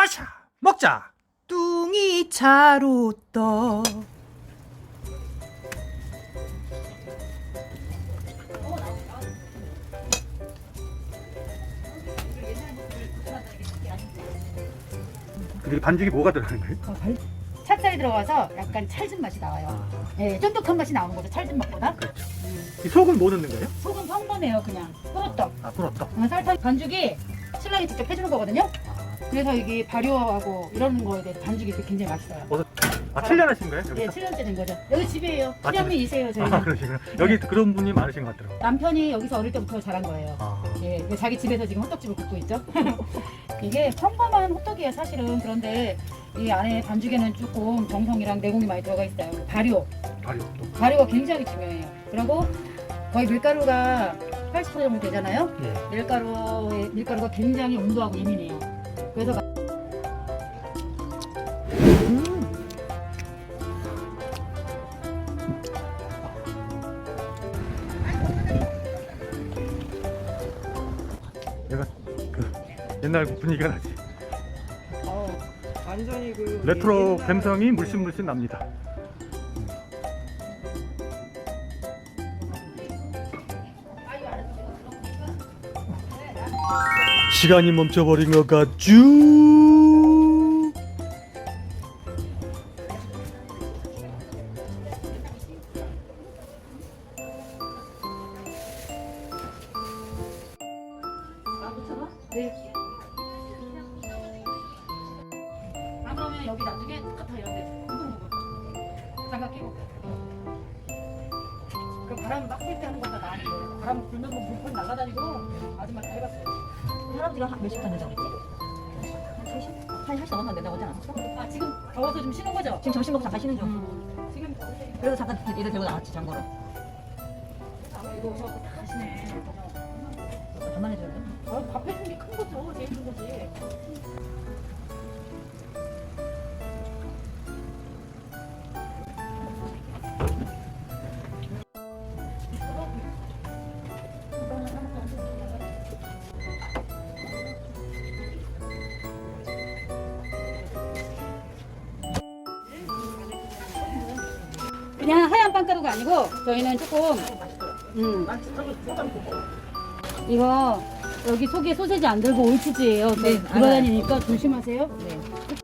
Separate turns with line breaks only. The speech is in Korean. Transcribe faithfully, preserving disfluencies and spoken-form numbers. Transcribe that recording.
빠샤 먹자.
뚱이 차로 떠.
근데 반죽이 뭐가 들어가는 거예요?
어, 발- 찹쌀이 들어가서 약간 찰진 맛이 나와요.
아,
예, 쫀득한 맛이 나오는 거죠. 찰진 맛보다.
그렇죠. 이 속은 뭐 넣는 거예요?
속은 평범해요, 그냥. 꾸러떡.
아, 꿀었다.
어, 설탕 반죽이 신랑이 직접 해주는 거거든요.
아,
그래서 이게 발효하고 이런 거에 대해서 반죽이 굉장히 맛있어요.
어서, 아, 칠 년 하신 거예요?
예,
여기서?
칠 년째 된 거죠. 여기 집이에요.
아,
시어머니이세요, 저희는.
아, 그러시구나. 여기 그런 분이 많으신 것 같더라고요.
남편이 여기서 어릴 때부터 자란 거예요.
아,
예, 그 자기 집에서 지금 호떡집을 굽고 있죠. 이게 평범한 호떡이에요, 사실은. 그런데 이 안에 반죽에는 조금 정성이랑 내공이 많이 들어가 있어요. 발효,
발효 또.
발효가 굉장히 중요해요. 그리고 거의 밀가루가 팔십 퍼센트 정도 되잖아요.
예.
밀가루의 밀가루가 굉장히 온도하고 예민해요. 그래서 막-
내가 그 옛날 분위기가 나지.
어, 완전히 그
레트로
옛날-
감성이 물씬 물씬 납니다. 시간이 멈춰버린 것 같죠?
네. 아, 그러면 여기 나중에 똑같아 이런데 장갑 끼고 그 바람 막 쓸 때 하는 것보다 나은데 바람 불면 뭐 물건 날아다니고 아줌마 다 해봤어요.
할아버지가 한 몇십 분 된다고 그랬지? 한 세 시? 한 한 시 넘었나 된다고 하지 않았어?
아 지금 더워서 좀 쉬는 거죠?
지금 점심 먹고 잠깐 쉬는 중.
음, 지금 더우니까
그래서 잠깐 이를 들고 나왔지, 장보러.
아마 이거 저거 다 하시네.
전만 해줘야 돼.
아, 밥 해준 게 큰 거죠. 제일 큰 거지. 그냥 하얀 빵가루가 아니고 저희는 조금 음 이거 여기 속에 소세지 안 들고 올치즈예요.
네,
돌아다니니까 조심하세요.
네.